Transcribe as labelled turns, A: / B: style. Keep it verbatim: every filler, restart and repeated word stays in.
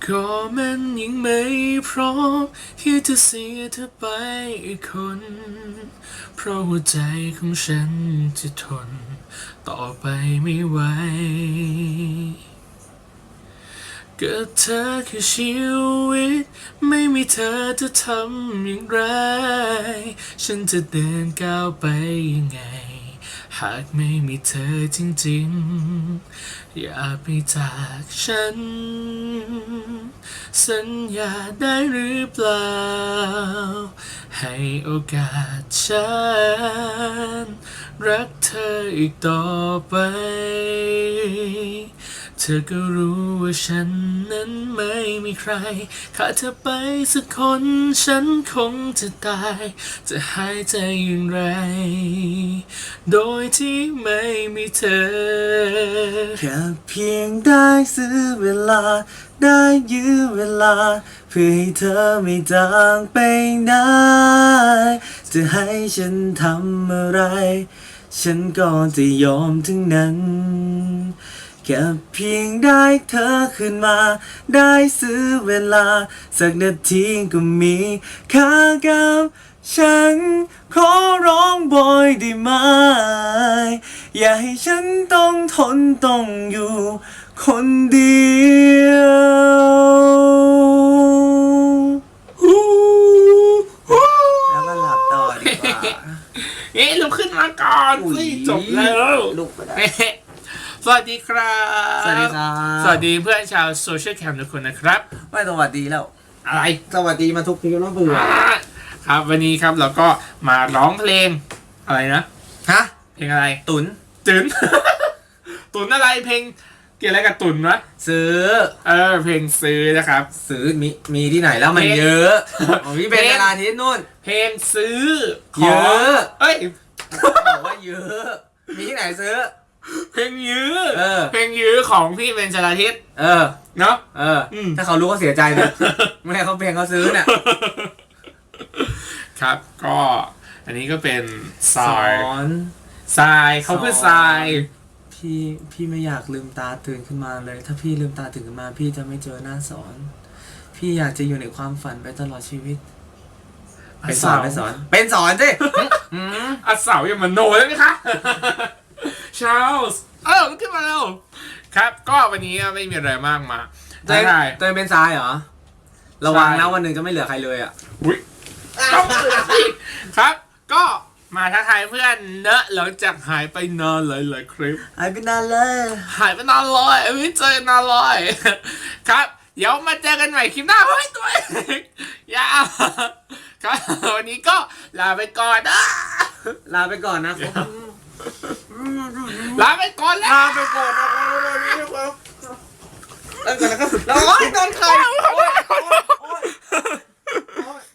A: ก็มันยังไม่พร้อมที่จะเสียเธอไปอีกคนเพราะหัวใจของฉันจะทนต่อไปไม่ไหวก็เธอคือชีวิตไม่มีเธอจะทำอย่างไรฉันจะเดินก้าวไปยังไงหากไม่มีเธอจริงๆอย่าไปจากฉันสัญญาได้หรือเปล่าให้โอกาสฉันรักเธออีกต่อไปเธอก็รู้ว่าฉันนั้นไม่มีใครขาดเธอไปสักคนฉันคงจะตายจะหายใจอย่างไรโดยที่ไม่มีเธอ
B: แค่เพียงได้ซื้อเวลาได้ยื้อเวลาเพื่อให้เธอไม่จางไปไหนจะให้ฉันทำอะไรฉันก็จะยอมทั้งนั้นแค่เพียงได้เธอขึ้นมาได้ซื้อเวลาสักนาทีก็มีค่ากับฉันขอร้องบ่อยได้ไหมอย่าให้ฉันต้องทนต้องอยู่คนเดียวแล้วก็หลับต่อดีกว่า
A: เอ๊ะลุกขึ้นมาก่อนสิจบแล้ว
B: ลุกไปได้
A: สวัสดีครับ
B: สวัสดีครับ
A: สวัสดีเพื่อนชาวโซเชียลแคมทุกคนนะครับ
B: ไม่สวัสดีแล้ว
A: อะไร
B: สวัสดีมาทุกทีแล้วเบื่อ
A: ครับวันนี้ครับเราก็มาร้องเพลงอะไรนะ
B: ฮะ
A: เพลงอะไร
B: ตุน
A: ตุน ตุนอะไรเพลงเกี่ยวอะไรกับตุนวะ
B: ซื้อ
A: เออเพลงซื้อนะครับ
B: ซื้อมีมีที่ไหนแล้วมัน
A: เพลง
B: เยอะของพี่เป็น
A: เพลง
B: เวลาที่นู่น
A: เพลงซื้อข
B: เย
A: อง
B: อะ
A: เอ้ย
B: บอกว่าเยอะ มีที่ไหนซื้อ
A: เพลงยื้อ
B: เออ
A: เพลงยื้อของพี่เป็นชลาทิศ
B: เออ
A: เนาะ
B: เอออ
A: ม
B: ถ้าเขารู้เขาเสียใจนะไม่ให้เขาเพลงเขาซื้อเนี่ย
A: ครับก็อันนี้ก็เป็นท
B: ส
A: ราย
B: อน
A: ทรายเขาคือทราย
B: พี่พี่ไม่อยากลืมตาตื่นขึ้นมาเลย ถ้าพี่ลืมตาตื่นขึ้นมา พี่จะไม่เจอหน้าสอน พี่อยากจะอยู่ในความฝันไปตลอดชีวิต เป็นสอนเป็นสอน เป็นสอนสิอืม
A: อาเสาอย่ามาโนแล้วนะคะ ชาลส์เออมันขึ้นมาแล้วครับก็วันนี้ไม่มีอะไรมากมา
B: ตัวเอง
A: ได้
B: ตัวเองเป็นทรายเหรอ ระวัง
A: ใช่
B: นะวันหนึ่งจะไม่เหลือใครเลยอ่ะ
A: อุ้ยต้องเตือนสิครับ ก็มาทักทายเพื่อนเนอะหลังจากหายไปนานหลายๆคลิป
B: หายไปนานเลย
A: หายไปนานเลยไม่เจอนานเลยครับเดี๋ยวมาเจอกันใหม่คลิปหน้าเฮ้ยตัวเองยาครับวันนี้ก็ลาไปก่อนนะ
B: ลาไปก่อนนะครับ
A: ลาไปก่อนแล้ว
B: ลาไปก่อนนะครับลาไปก่อนนะครับแล้วโอ๊ยโดนใครโอ๊ย